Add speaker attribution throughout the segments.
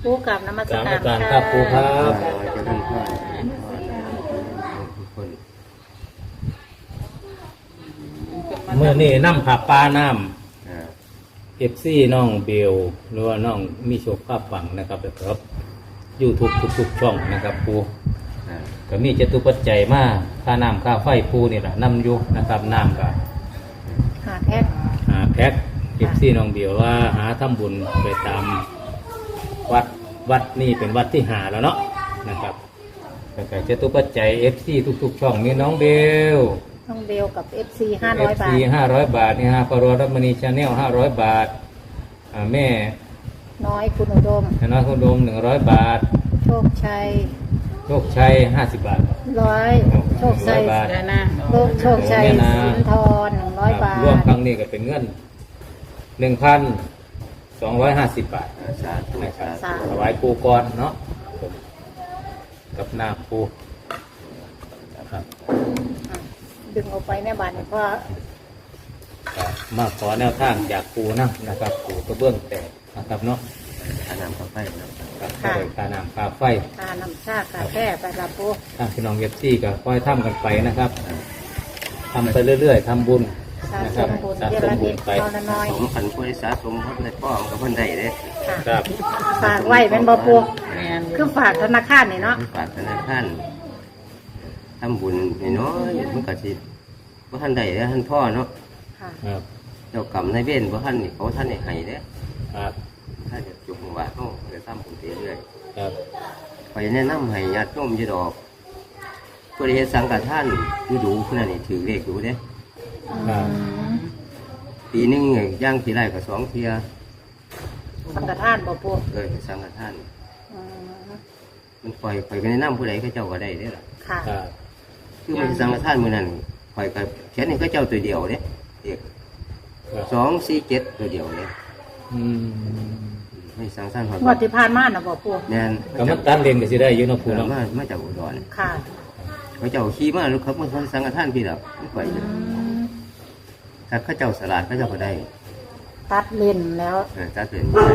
Speaker 1: ปูกับนมัส
Speaker 2: กราบ
Speaker 1: การ
Speaker 2: อาจารย์ครับปูครับ
Speaker 3: จะท่านพ่อทุกคน
Speaker 2: เมื่อนี่น้ำผับปลาน้
Speaker 3: อ่า
Speaker 2: ำเอฟซีน้องเบลหรือว่าน้องมีโชคภาพฝังนะครับครับยูทูบทุกช่องนะครับปู
Speaker 3: อ่า
Speaker 2: ก็มีจตุปัจจัยมาค่าน้ำค่าไฟปูนี่แหละน้ำอยู่นะครับน้ำก็
Speaker 1: หาแพ็ค
Speaker 2: หาแพ็คเอฟซีน้องเบลว่าหาทำบุญไปตามวัดนี่เป็นวัดที่หาแล้วเนาะนะครับแล้วก็จตุปัจจัยเอฟซีทุกช่องนี่น้องเบล
Speaker 1: น้องเบลกับ FC 500 บาท
Speaker 2: 500 บาทนี่ฮะปรรัตมณีชาแนล500 บาทแม่
Speaker 1: น้อยคุณอุดม
Speaker 2: ธนาคุณดม100 บาท
Speaker 1: โชคชัย
Speaker 2: โชคชัย50 บาท
Speaker 1: 100โชคชัย
Speaker 2: 100 บาท
Speaker 1: โชคชัย
Speaker 2: เนี่ยนะ
Speaker 1: สินทร100 บาท
Speaker 2: รวมครั้งนี้ก็เป็นเงิน 1,250 บาท
Speaker 3: สาธุ
Speaker 2: นะครับ
Speaker 3: สาธุ
Speaker 2: ถวายปูก่อนเนาะกับหน้าปูนะครับ
Speaker 1: ดึงออกไปแม่บาทเพราะ
Speaker 2: ก็มาขอแนวทางจากปูนะครับปูกระเบื้องแตกนะครับเนาะ
Speaker 3: อานามข้าไฟนะ
Speaker 2: กับข้าวค่าน้ำค่าไฟ
Speaker 1: ทาน้ำชาคาแค่ไปละปู
Speaker 2: ทางพี่น้องเอฟซีก็ค่อยทำกันไปนะครับทำไปเรื่อยๆทำบุญ
Speaker 1: สะ
Speaker 2: นะ
Speaker 1: ส
Speaker 2: ครับ
Speaker 1: มบุญ
Speaker 2: สะ
Speaker 1: เย
Speaker 2: ส
Speaker 1: อะ
Speaker 2: มบุ
Speaker 1: นิ
Speaker 2: ญ
Speaker 1: ด
Speaker 2: ไป
Speaker 1: เอาละน้อย
Speaker 3: สมขันผู้ได้สะสมพระพุทธป้อมกับเพิ่นได้เด้
Speaker 1: ค่ะ
Speaker 2: ครับ
Speaker 1: ฝากไว้เป็นบ่ปูคือฝากธนาคารนี่เนาะ
Speaker 3: ฝากธนาคารทำบุญน้อยๆมันก็สิบ่ทันได้เด้อท่านพ่อเนาะ
Speaker 1: ค่ะ
Speaker 2: ครับ
Speaker 3: เจ้ากรรมนายเวรบ่ทันนี่เขาท่านให้เด้อ
Speaker 2: ครับ
Speaker 3: ถ้าจะจุกว่าเฮาจะทำบุญเรื่อย
Speaker 2: ครับ
Speaker 3: ๆไปแนะนำให้ญาติโยมอยู่ดอกผู้ใดเฮ็ดสังฆทานอยู่ดูผู้นั้นนี่ถือเลขอยู่เด้
Speaker 2: ครับ
Speaker 3: ปีหนึงย่างทีไรก็2เที่ย
Speaker 1: สังฆทานบ่ปู
Speaker 3: เคยสังฆทาน
Speaker 1: อืม
Speaker 3: มันปล่อยไปแนะนำผู้ใดก็เจ้าก็ได้เด้อล่ะ
Speaker 1: ค่ะ
Speaker 2: ครับ
Speaker 3: คือมันสังฆทานมื้อนั้นปล่อยก็เขียนให้ก็เจ้าตัวเดียวเด้เด็ก
Speaker 2: ครับ
Speaker 3: 247ตัวเดียวเด้
Speaker 2: อืม
Speaker 3: ไม่สังฆทานหอด
Speaker 1: งวดที่ผ่านมาน่ะบ่ปู
Speaker 3: แน่น
Speaker 2: ก็มันตันเลนก็สิได้อยู่เนาะปูเนาะ
Speaker 3: มาจากอุดร
Speaker 1: ค่ะ
Speaker 3: เขาเจ้าขี่มาลูกครับมันสังฆทานพี่ล่ะมันปล่อย
Speaker 1: อืม
Speaker 3: ถ้าเขาเจ้าสลาดเขาเจ้าก็ได้
Speaker 1: ตัดเล่นแล้ว
Speaker 3: ถ้าเป็นได้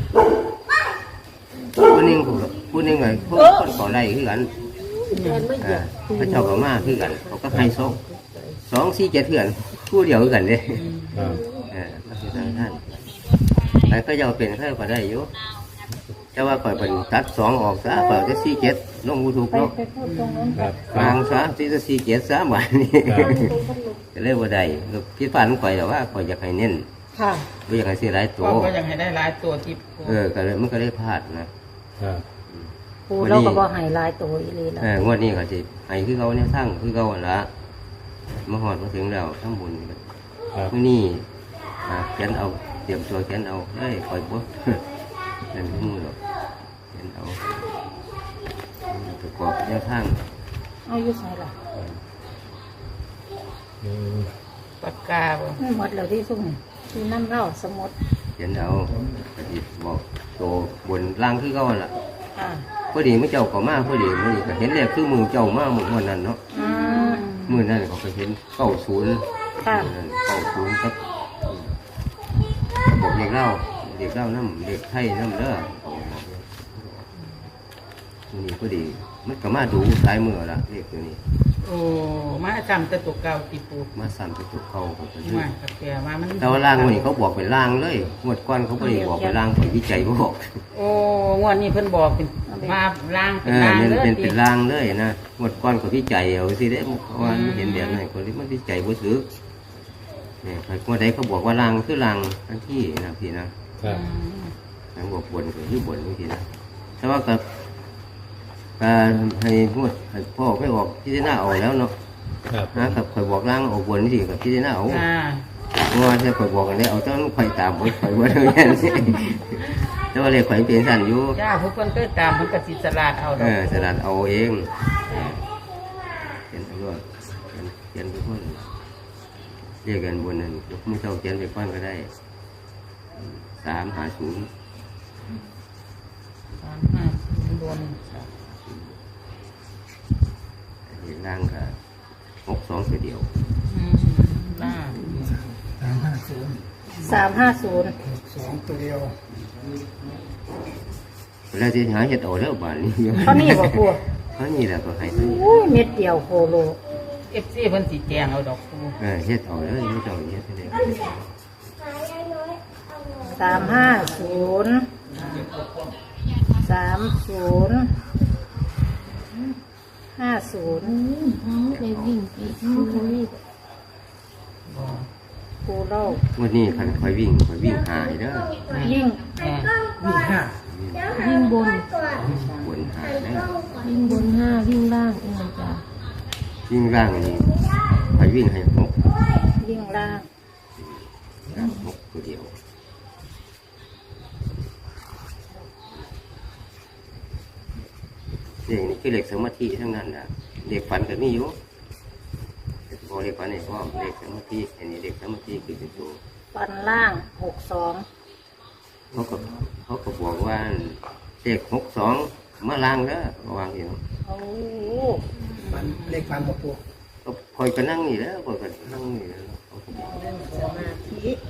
Speaker 3: ผู้หนึงผู้หนึงไงผู้คนขอได้คือกันเขาเจ้าก็มาคือกันเขาก็ให้247คือกันผู้เดียวคือกันเด้
Speaker 2: ครับ
Speaker 3: ก็คือสังฆทานแต่ก็จะเป็นข้าก็ได้อยู่แต่ว่าปล่อยเป็นตัด2ออกซะปล่อยจะ47ลงยูทูบ
Speaker 1: ไป
Speaker 3: เนาะ
Speaker 1: ไปพูดตรงนั้น
Speaker 2: ครับ
Speaker 3: วางซะที่จะ47ซะหวานนี่
Speaker 2: ครับ
Speaker 3: ก็เลยว่าได้คิดฝันข่อยแต่ว่าข่อยอยากให้เน้น
Speaker 1: ค่ะ
Speaker 3: ไม่อยากให้เสียหลายตัว
Speaker 4: ก็ยังให้ได้หลายตัวที่ปู
Speaker 3: ก็เลยมันก็เลยพลาดนะครับ
Speaker 1: ปูเราก็บ่ให้หลายตัวอีหลีแล้ว
Speaker 3: งวดนี้ก็สิให้คือเขาเนี่ยทั้งคือเขาหั่นละมาหอดมาถึงแล้วทั้งบุญ
Speaker 2: ครับ
Speaker 3: มื้อนี้เขียนเอาเตรียมตัวเขียนเอาได้ข่อยบ่ นั่นมือหรอกเขียนเอาประกอบแนวทาง
Speaker 1: เอาอยู่ใส่ล่ะ
Speaker 2: อืม
Speaker 4: ปากกาบ่
Speaker 1: ไม่หมดแล้วที่ซุ่มนี่ที่น้ำเล่าสมุด
Speaker 3: เขียนเอาก็สิบอกตัวบนล่างคือเขาหั่นล่ะ
Speaker 1: ค่ะ
Speaker 3: พอดีมื่อเจ้าก็มาพอดีมื่อนี้ก็เห็นเลยคือมือเจ้ามามือวันนั้นเนาะ
Speaker 1: อืม
Speaker 3: มือนั้นเขาก็เห็น90
Speaker 1: ค่ะ
Speaker 3: 90ครับบอกเด็กเล่าน้ำเด็กไทยน้ำเด้อมือนี้พอดีมันก็มาดูสายมือละเด็กตัวนี้
Speaker 4: โอ้มาจำแต่ตัวเก่าที่ปู
Speaker 3: มาสั่นไปตุกเขาก็คือ
Speaker 4: มากับแกมามัน
Speaker 3: แต่ว่าล่างวันนี้เขาบอกเป็นล่างเลยงวดก้อนเขาไม่ได้บอกเป็นล่างไปวิจัยบอก
Speaker 4: โอ้งวดนี้เพิ่นบอกเป็นมาล่างเป็นล่าง
Speaker 3: เนี่ย
Speaker 4: เลย
Speaker 3: เป็นล่างเลยนะงวดก้อนเขาวิจัยเอาสิได้เพราะว่ามันเห็นแบบนั้นคนที่มันวิจัยบ่ซื้อเนี่ยงวดใดเขาบอกว่าล่างคือล่างทั้งที่นะพี่นะครับ ทั้งบอกบนก็คือบนนี่พี่นะแต่ว่ากับการให้งวดให้พ่อไม่ออกพิจารณาเอาแล้วเนาะ
Speaker 2: ครับ
Speaker 3: กับข่อยบอกล่างออกบนนี่สิกับพิจารณาเอา
Speaker 4: อ่า
Speaker 3: งวดจะข่อยบอกกันได้เอาต้องข่อยตามข่อยว่าเรื่องนี้แต่ว่าเลยข่อยเป็นสั่นอยู่
Speaker 4: จ้าผู้คนเคยตามมันก็สิสลาดเอาดอก
Speaker 3: สลัดเอาเองเขียนตำรวจเขียนทุกคนเรียกกันบนนั้นยกมือเจ้าเขียนไปก้อนก็ได้350
Speaker 4: บน
Speaker 3: เห็นล่างก็62ตัวเดียว
Speaker 4: ล่าง
Speaker 1: 350
Speaker 4: 2ตัวเดียว
Speaker 3: แล้วที่หาเห็ดเอาแล้วบ้านนี้
Speaker 1: เขานี่บ่ปู
Speaker 3: เขานี่แหละก็ให้ซื้อ
Speaker 1: อุ้ยเม็ดเดียวโคโล
Speaker 4: FC เพิ่นสิแจงเอาดอกปู
Speaker 3: เฮ็ดเอาเลยไม่ต้องเฮ็ดเลย
Speaker 1: 350 50
Speaker 5: ได้วิ่งไปเขารีบ
Speaker 1: ปูเล่า
Speaker 3: วันนี้คันคอยวิ่งหายเด้อ
Speaker 1: ยิ่ง
Speaker 4: แม่
Speaker 5: วิ่งบน
Speaker 3: บนหายเด้อ
Speaker 5: วิ่งบนห้าวิ่งล่างเองจ้ะ
Speaker 3: วิ่งร่างนี่คอยวิ่งให้หก
Speaker 1: ยิ่งล่าง
Speaker 3: ร่างหกตัวเดียวเด็กนี่คือเด็กสมาธิทั้งนั้นแหละเด็กฝันก็มีอยู่พอเด็กฝันนี่พ่อเด็กสมาธิอันนี้เด็กสมาธิคือเป็นตัว
Speaker 1: ปันล่าง62
Speaker 3: เขาก็บอกว่าเด็ก62มาล้างแล้ววางอยู่
Speaker 1: โอ้
Speaker 6: เลขฟันกับปู
Speaker 3: ก็พอยก็นั่งนี่แล้วพอยก็นั่งนี่แล้วเขาก็บอก
Speaker 1: สมาธิ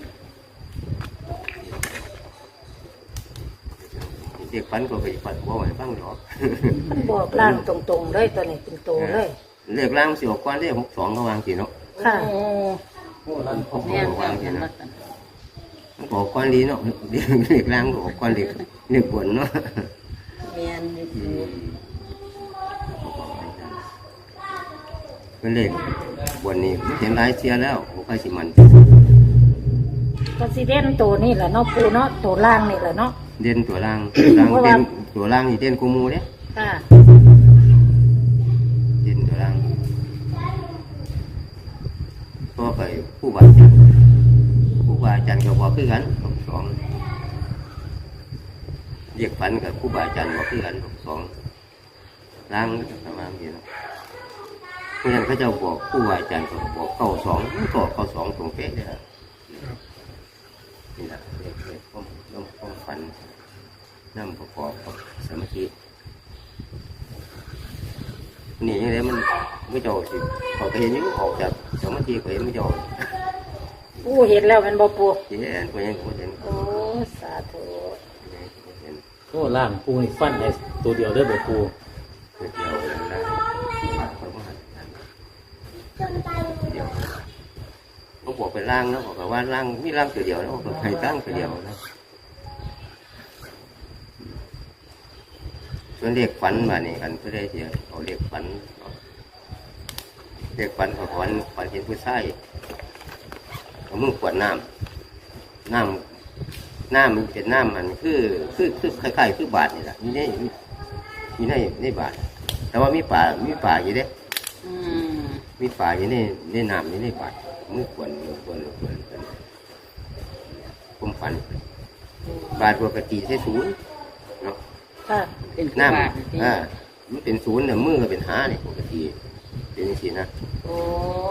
Speaker 3: เด็กฝันก็ไปฝันว่าไว้บ้างหรอก
Speaker 1: มันบอกล่างตรงๆเลยตัวนี้เป็นตัวเลย
Speaker 3: เรียกล้างสิออกก้อนเรียก62เขาวางสิเนาะ
Speaker 1: ค่ะ
Speaker 4: โอ้
Speaker 3: เขา
Speaker 4: แม่น
Speaker 3: วางสิ
Speaker 4: แม่น
Speaker 3: นะมันบอกก้อนดีเนาะเรียกล้างก็ออกก้อนเรียกบนเนาะ
Speaker 1: แม่นอยู่
Speaker 3: เป็นเลขบนนี้ไม่เห็นรายเสียแล้วผมไปสิมัน
Speaker 1: ก็สิเด่นตัวนี่แหละเนาะปูเนาะตัวล่างนี่แหละเนาะ
Speaker 3: เด่นตัวล่างตัวล่างเด่นตัวล่างนี่เด่นกูมูเนี่ย
Speaker 1: ค่ะ
Speaker 3: เด่นตัวล่างก็ไปผู้บาอาจารย์ก็บอกคือกัน62เรียกฝันกับผู้บาอาจารย์บอกคือกัน62ล่างประมาณนี้เนาะเพราะฉะนั้นเขาจะบอกผู้บาอาจารย์ก็บอก92ก็92ตรงเป๊ะเลยนะนี่แหละเรียกความฝันนั่งประกอบกับสมาธินี่ยังไงมันไม่จบสิพอไปเห็นอยู่ออกจากสมาธิก็เห็นไม่จบ
Speaker 1: ปูเห็นแล้วแมันบ่ปู
Speaker 3: เห็นก็ยังไม่เห็น
Speaker 1: โอ้สาธุ
Speaker 3: เห็น
Speaker 2: โอ้ล่างปูนี่ฟันให้ตัวเดียวได้อบ่ปู
Speaker 3: เดียวแล้วคนก็หันเดียวเขาบอกเป็นร่างนะบอกว่าร่างมีร่างตัวเดียวแล้วบอกใครตั้งตัวเดียวนะส่วนเด็กฝันมาเนี่ยกันเพื่อได้เสียเอาเด็กฝันเขาฝันเห็นผู้ชายเอามือขวดน้ำมันเป็นน้ำมันคือคล้ายๆคือบาทนี่แหละมีในบาทแต่ว่ามีป่าอยู่เด้
Speaker 4: อืม
Speaker 3: มีป่าอยู่ในน้ำอยู่ในบาทมือขวดผมฝันบาทปกติใช้ศูนย์เนาะ
Speaker 1: ค่ะ
Speaker 4: เป็นผู้
Speaker 3: น้
Speaker 4: บาทจริง
Speaker 3: ำมันเป็นศูนย์เนี่ยมือก็เป็นหาเนี่ยปกติเป็นอย่างนี้นะ
Speaker 4: โอ้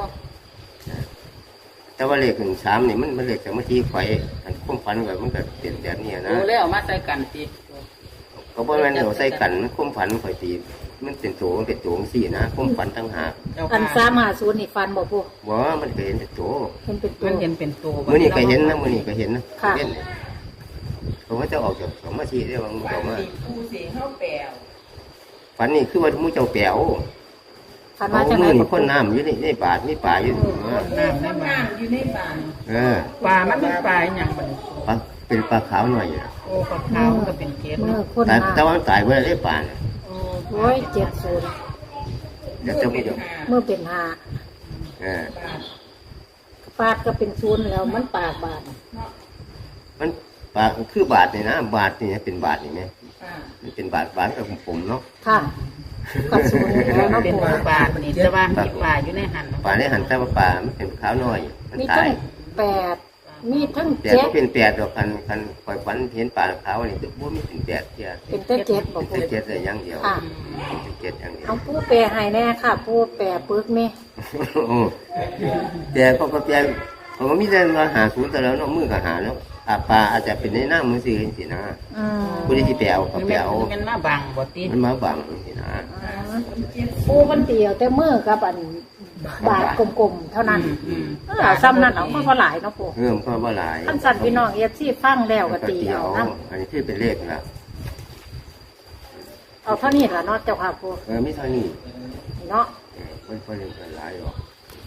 Speaker 3: แต่ว่าเลข3เนี่ยมันเลขสมาธิไฟอันความฝันแบบมันก็เปลี่ยนแบบนี้นะ
Speaker 4: โอ้แล้วเอามาใส่กันสิ
Speaker 3: ก็เพราะมันเราใส่กันมันความฝันไฟตีมันเป็นตัวสี่นะความฝันตั้งหาก
Speaker 4: เจ้า
Speaker 1: อัน
Speaker 4: ค่ะ
Speaker 1: 350นี่ฟันบ่ปู
Speaker 3: ว่ามันก็เห็นแต่ตัว
Speaker 1: เห็นเป็นตัว
Speaker 4: มันเห็นเป็นตัว
Speaker 3: มือนี่ก็เห็นนะมือนี่ก็เห็นนะ
Speaker 1: ค่ะ
Speaker 3: เห็นเนี่ยผมว่าจะออกจากสมาธิได้บางมือบอกว่า
Speaker 4: ปูสีเข้าแปลว
Speaker 3: ฝันนี่คือว่ามือเจ้าแป๋ว
Speaker 1: ฟัน
Speaker 3: เอา
Speaker 1: มาจากไหน
Speaker 3: มือ
Speaker 1: บ่
Speaker 3: นี่
Speaker 1: ปู
Speaker 3: พ่นน้ำอยู่ในบาทมีป่าอยู่
Speaker 4: น้ำในบ้านอยู่ในบ้าน
Speaker 3: เออ
Speaker 4: ปลามันเป็นปลาอย่างบัดนี้
Speaker 3: ปลาเป็นปลาขาวหน่อยอยู่นะ
Speaker 4: โอ้ปลาขาวมันก็เป็นเกล็ด
Speaker 1: มือ
Speaker 4: เนาะ
Speaker 1: คน
Speaker 3: แต่
Speaker 1: มา
Speaker 3: แต่ว่ามันตายเมื่อได้ป่าเนี่ย
Speaker 4: โอ้
Speaker 1: โอ้ย70
Speaker 3: เดี๋ยวจะไม่ยอม
Speaker 1: มือเป็น5
Speaker 3: เออ
Speaker 1: ปาดก็เป็นศูนย์แล้วมันปากบาด
Speaker 3: มันปลาคือบาทนี่นะบาทนี่เป็นบาทนี่ไหมมันเป็นบาทกับผมเนาะ
Speaker 1: ค่ะกับศูนย์แล้วเนาะ
Speaker 4: เป็น
Speaker 1: ปู
Speaker 4: ปลานี่แต่ว่ามีปลาอยู่ในหัน
Speaker 3: ป่าได้หันแต่ว่าป่ามันเป็นขาวน้อย มัน
Speaker 1: มี
Speaker 3: ตา
Speaker 1: ทั้
Speaker 3: ย
Speaker 1: ง8มีทั้ง
Speaker 3: แต่ก็เป็น8ดอกกันปล่อยฝันเห็นป่าขาวนี่คือบ่มีเป็น8เที่ย
Speaker 1: 7เป็นแต่7บ่
Speaker 3: เป็น
Speaker 1: ปู
Speaker 3: แต่7เลยอย่างเดียว
Speaker 1: ค่ะ
Speaker 3: เป็น7อย่างเดียว
Speaker 1: เอาปูแปรให้แน่ค่ะปูแปรปึกนี่
Speaker 3: โอ้แต่ก็แปลผมว่ามีแต่มาหาศูนย์แต่แล้วเนาะมือก็หาเนาะปลาอาจจะเป็นในหน้ามือสิจังซี่นะ
Speaker 1: อืม
Speaker 3: ผู้ที่แปลเอาก็แปลเอา
Speaker 4: มันมาบังบ่ติ
Speaker 3: มันมาบังจังซี่นะ
Speaker 1: ปูมันเตียวแต่มือกับอันบาทกลมๆเท่านั้น
Speaker 4: อืม
Speaker 1: เอาซ้ำนั้นเอามาพอหลายเนาะปู
Speaker 3: เริ่มก็บ่หลาย
Speaker 1: ท่านสั่นพี่น้องเอฟซีฟังแล้วก็ตี
Speaker 3: เดีย
Speaker 1: เอา
Speaker 3: ว
Speaker 1: นะ
Speaker 3: อันนี้คือเป็นเลขนะ
Speaker 1: เอาเท่านี้ล่ะเนาะเจ้าค่ะปู
Speaker 3: มีเท่านี้
Speaker 1: เนาะ
Speaker 3: มันเล่นกันหลายหรอก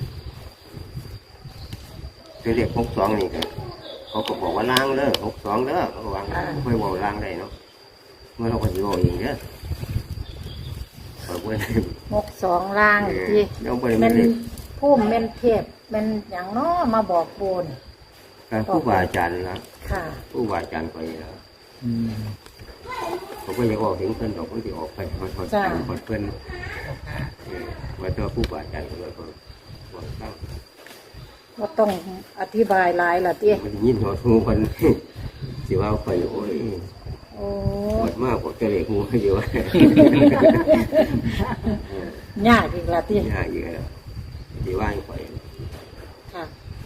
Speaker 3: ตัวเลข62นี่ก็เขาก็บอกว่าล้างเด้อ62เด้อเขาก็วางค่อยบอกล้างได้เนาะเมื่อเราก็สิบอกเองเด้อเขาบ่ได้
Speaker 1: 62ล่างที่
Speaker 3: เราบ่ได้
Speaker 1: แม่
Speaker 3: มาน เล่น
Speaker 1: พุ่มแม่นเทพแม่นหยังเนาะมาบอกปูน
Speaker 3: การผู้บาอาจารย์นะ
Speaker 1: ค่ะ
Speaker 3: ผู้บาอาจารย์ไปแล้วเขาก็ยังออกถึงเพิ่นดอกมันสิออกไปมันคนเพิ่นว่าตัวผู้บาอาจารย์ก็เลยบอกตั้ง
Speaker 1: บ่ต้องอธิบายหลายล่ะติ
Speaker 3: มันยินหัวทูคนสิว่าไปโอ้ย
Speaker 1: โอ้
Speaker 3: ปวดมากปวดกระเหลกงูอยู่ว่าย
Speaker 1: ากอีกล่ะติ
Speaker 3: ยากอยู่แล้วสิว่าไป
Speaker 1: ค่ะ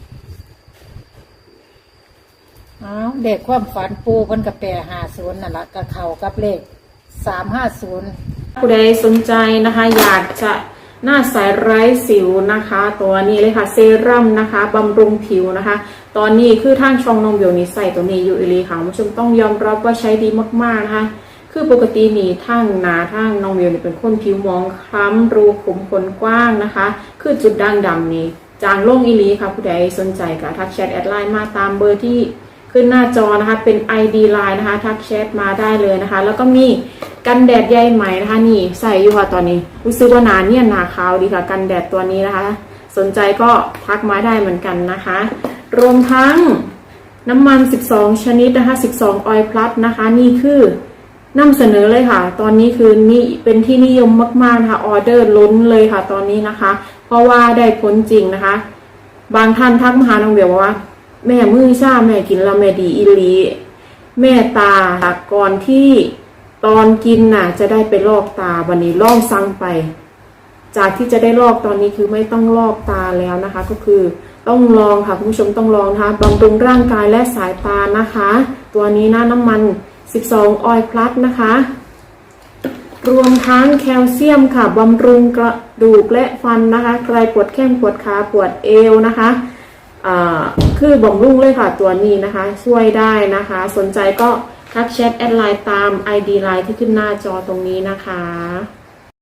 Speaker 1: อ้าวเด็กความฝันปูเพิ่นก็แปร50นั่นล่ะก็เข้ากับเลข350
Speaker 7: ผู้ใดสนใจนะคะอยากจะหน้าใสไร้สิวนะคะ ตัวนี้เลยค่ะเซรั่มนะคะบำรุงผิวนะคะ ตอนนี้คือทางช่องนมเบียวนี้ใส่ตัวนี้อยู่อีหลีค่ะคุณผู้ชมต้องยอมรับว่าใช้ดีมากๆนะคะคือปกตินี่ทางหนาทางนมเบียวนี่เป็นคนผิวมองคล้ำรูขุมขนกว้างนะคะคือจุดด่างดำนี่จางลงอีหลีค่ะผู้ใดสนใจก็ทักแชทแอดไลน์มาตามเบอร์ที่ขึ้นหน้าจอนะคะเป็น ID Line นะคะทักแชทมาได้เลยนะคะแล้วก็มีกันแดดใยไหมนะคะนี่ใส่อยู่ค่ะตอนนี้รู้สึกว่าหนาเนี่ยหนาขาวดีค่ะกันแดดตัวนี้นะคะสนใจก็ทักมาได้เหมือนกันนะคะรวมทั้งน้ำมัน12ชนิดนะคะ12 Oil Plus นะคะนี่คือนำเสนอเลยค่ะตอนนี้คือนี่เป็นที่นิยมมากๆนะคะออเดอร์ล้นเลยค่ะตอนนี้นะคะเพราะว่าได้ผลจริงนะคะบางท่านทักมาหาน้องเบียวว่าแม่มือชาแม่กินแล้วแม่ดีอีหลีแม่ตาก่อนที่ตอนกินน่ะจะได้ไปลอกตาวันนี้ลองสั่งไปจากที่จะได้ลอกตอนนี้คือไม่ต้องลอกตาแล้วนะคะก็คือต้องลองค่ะคุณผู้ชมต้องลองนะคะบำรุงร่างกายและสายตานะคะตัวนี้นะน้ำมัน12 Oil Plus นะคะรวมทั้งแคลเซียมค่ะบำรุงกระดูกและฟันนะคะใครปวดแข้งปวดขาปวดเอวนะคะคือบำรุงเลยค่ะตัวนี้นะคะช่วยได้นะคะสนใจก็ทักแชทแอดไลน์ตาม ID ไลน์ที่ขึ้นหน้าจอตรงนี้นะคะ